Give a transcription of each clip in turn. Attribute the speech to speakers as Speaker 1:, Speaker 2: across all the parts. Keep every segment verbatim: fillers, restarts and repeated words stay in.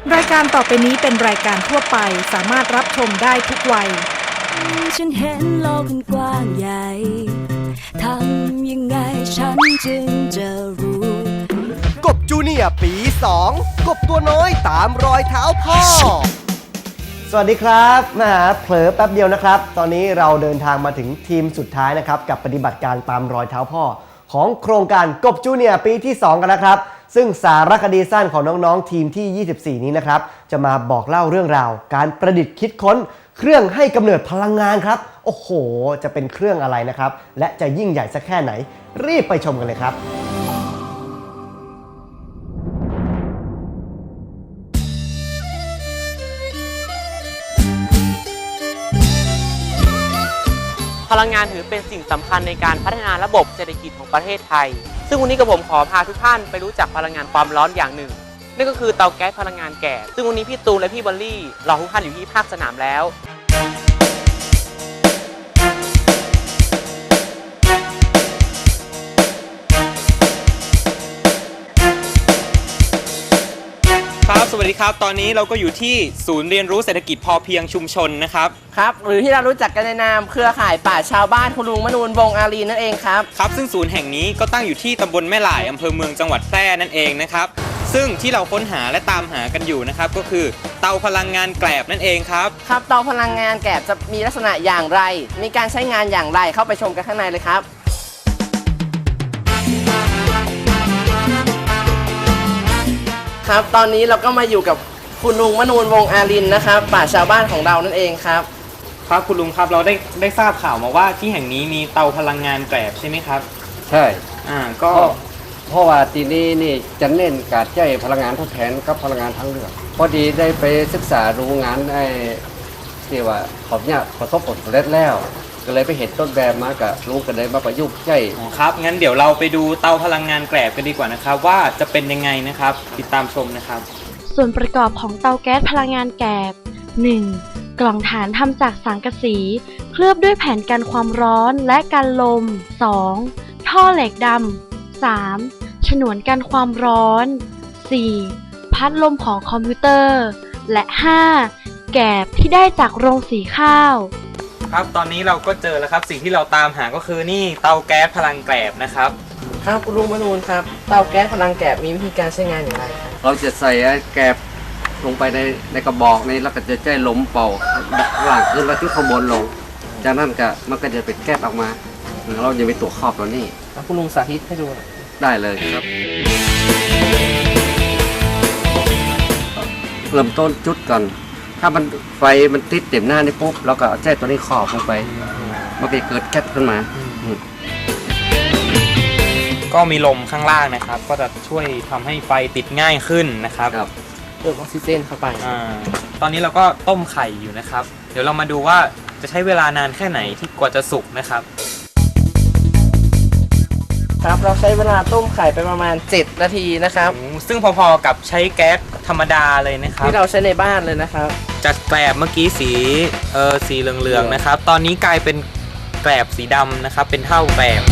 Speaker 1: รายการต่อไปนี้เป็นรายการทั่วไปสามารถรับชมได้ทุกวัย
Speaker 2: ฉันเห็นโลกมันกว้างใหญ่ทำยังไงฉันจึงจะรู้
Speaker 3: กบจูเนียร์ปีสองกบตัวน้อยตามรอยเท้าพ่อสวัสดีครับมาหาเผลอแป๊บเดียวนะครับตอนนี้เราเดินทางมาถึงทีมสุดท้ายนะครับกับปฏิบัติการตามรอยเท้าพ่อของโครงการกบจูเนียร์ปีที่สองกันนะครับซึ่งสารคดีสั้นของน้องๆทีมที่ยี่สิบสี่นี้นะครับจะมาบอกเล่าเรื่องราวการประดิษฐ์คิดค้นเครื่องให้กำเนิดพลังงานครับโอ้โหจะเป็นเครื่องอะไรนะครับและจะยิ่งใหญ่สักแค่ไหนรีบไปชมกันเลยครับ
Speaker 4: พลังงานถือเป็นสิ่งสำคัญในการพัฒนาระบบเศรษฐกิจของประเทศไทยซึ่งวันนี้กับผมขอพาทุกท่านไปรู้จักพลังงานความร้อนอย่างหนึ่งนั่นก็คือเตาแก๊สพลังงานแก๊สซึ่งวันนี้พี่ตูนและพี่บอลลี่รอทุกท่านอยู่ที่ภาคสนามแล้ว
Speaker 5: ครับสวัสดีครับตอนนี้เราก็อยู่ที่ศูนย์เรียนรู้เศรษฐกิจพอเพียงชุมชนนะครับ
Speaker 4: ครับหรือที่เรารู้จักกันในนามเครือข่ายป่าชาวบ้านคุณลุงมนูนวงอารีนั่นเองครับ
Speaker 5: ครับซึ่งศูนย์แห่งนี้ก็ตั้งอยู่ที่ตำบลแม่หล่ายอำเภอเมืองจังหวัดแพร่นั่นเองนะครับซึ่งที่เราค้นหาและตามหากันอยู่นะครับก็คือเตาพลังงานแกลบนั่นเองครับ
Speaker 4: ครับเตาพลังงานแกลบจะมีลักษณะอย่างไรมีการใช้งานอย่างไรเข้าไปชมกันข้างในเลยครับครับตอนนี้เราก็มาอยู่กับคุณลุงมนูนวงอารินนะครับป่าชาวบ้านของเรานั่นเองครับ
Speaker 5: ครับคุณลุงครับเราได้ได้ทราบข่าวมาว่าที่แห่งนี้มีเตาพลังงานแกลบใช่ไหมครับ
Speaker 6: ใช่
Speaker 5: อ่าก็
Speaker 6: เพราะว่าที่นี่นี่จะเน้นการใช้พลังงานทดแทนกับพลังงานทางเลือกพอดีได้ไปศึกษาดูงานไอ้ที่ว่าขอบเนี่ยประสบผลสำเร็จแล้วก็เลยไปเห็นต้นแบบมากับลุงก็เลยมาประยุกต์ใช้
Speaker 5: ครับงั้นเดี๋ยวเราไปดูเตาพลังงานแกลบกันดีกว่านะครับว่าจะเป็นยังไงนะครับติดตามชมนะครับ
Speaker 7: ส่วนประกอบของเตาแก๊สพลังงานแกลบ หนึ่ง. กล่องฐานทำจากสังกะสีเคลือบด้วยแผ่นกันความร้อนและกันลม สอง. ท่อเหล็กดำ สาม. ฉนวนกันความร้อน สี่. พัดลมของคอมพิวเตอร์และ ห้า. แกลบที่ได้จากโรงสีข้าว
Speaker 5: ครับตอนนี้เราก็เจอแล้วครับสิ่งที่เราตามหาก็คือนี่เตาแก๊สพลังแกลบนะครับ
Speaker 4: ครับคุณลุงมนูนครับเตาแก๊สพลังแกลบมีวิธีการใช้งานอย่างไรครับ
Speaker 6: เราจะใส่แกลบลงไปในในกระบอกนี้แล้วก็จะใช้ลมเป่าล่างขึ้นแล้วที่ข้างบนลงจากนั้นก็มันก็จะเป็นแก๊สออกมาเราจะมีตัวครอบตัวนี้
Speaker 4: คุณลุงสาธิตให้ดู
Speaker 6: ได้เลยครับเริ่มต้นจุดก่อนถ้ามันไฟมันติดเต็มหน้านี่ปุ๊บเราก็เอาแจ้ตัวนี้ครอบลงไปมันก็เกิดแก๊สขึ้นมา
Speaker 5: ก็มีลมข้างล่างนะครับก็จะช่วยทำให้ไฟติดง่ายขึ้นนะครับ
Speaker 4: เพิ่มออกซิเจนเข้าไป
Speaker 5: อ่าตอนนี้เราก็ต้มไข่อยู่นะครับเดี๋ยวเรามาดูว่าจะใช้เวลานานแค่ไหนที่กว่าจะสุกนะครับ
Speaker 4: ครับเราใช้เวลาต้มไข่ไปประมาณเจ็ดนาทีนะครับ
Speaker 5: ซึ่งพอๆกับใช้แก๊สธรรมดาเลยนะครับ
Speaker 4: ที่เราใช้ในบ้านเลยนะครับ
Speaker 5: จากแกลบเมื่อกี้สีเออสีเหลืองๆนะครับตอนนี้กลายเป็นแกลบสีดำนะครับเป็นเท่าแกลบ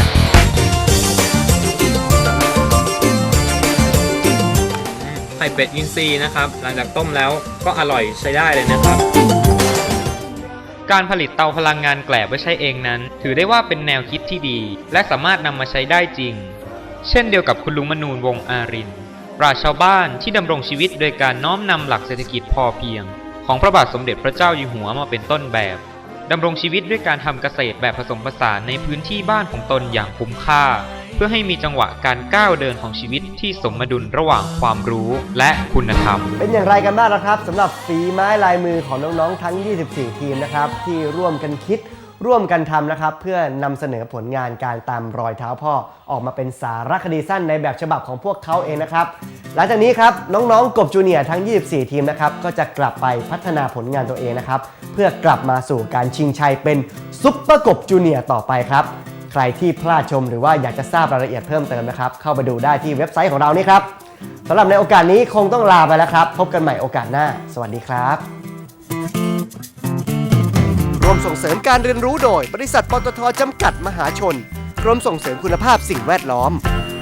Speaker 5: ไข่เป็ดอินทรีย์นะครับหลังจากต้มแล้วก็อร่อยใช้ได้เลยนะครับการผลิตเตาพลังงานแกลบไว้ใช้เองนั้นถือได้ว่าเป็นแนวคิดที่ดีและสามารถนำมาใช้ได้จริงเช่นเดียวกับคุณลุงมนูนวงอารินปราชญ์ชาวบ้านที่ดำรงชีวิตโดยการน้อมนำหลักเศรษฐกิจพอเพียงของพระบาทสมเด็จพระเจ้าอยู่หัวมาเป็นต้นแบบดำรงชีวิตด้วยการทำเกษตรแบบผสมผสานในพื้นที่บ้านของตนอย่างคุ้มค่าเพื่อให้มีจังหวะการก้าวเดินของชีวิตที่สมดุลระหว่างความรู้และคุณธรรม
Speaker 3: เป็นอย่างไรกันบ้างนะครับสำหรับฝีไม้ลายมือของน้องๆทั้งยี่สิบสี่ทีมนะครับที่ร่วมกันคิดร่วมกันทำนะครับเพื่อนำเสนอผลงานการตามรอยเท้าพ่อออกมาเป็นสารคดีสั้นในแบบฉบับของพวกเขาเองนะครับหลังจากนี้ครับน้องๆกบจูเนียร์ทั้งยี่สิบสี่ทีมนะครับก็จะกลับไปพัฒนาผลงานตัวเองนะครับเพื่อกลับมาสู่การชิงชัยเป็นซุปเปอร์กบจูเนียร์ต่อไปครับใครที่พลาดชมหรือว่าอยากจะทราบรายละเอียดเพิ่มเติมนะครับเข้าไปดูได้ที่เว็บไซต์ของเรานี่ครับสำหรับในโอกาสนี้คงต้องลาไปแล้วครับพบกันใหม่โอกาสหน้าสวัสดีครับร่วมส่งเสริมการเรียนรู้โดยบริษัทปตท.จำกัดมหาชนกรมส่งเสริมคุณภาพสิ่งแวดล้อม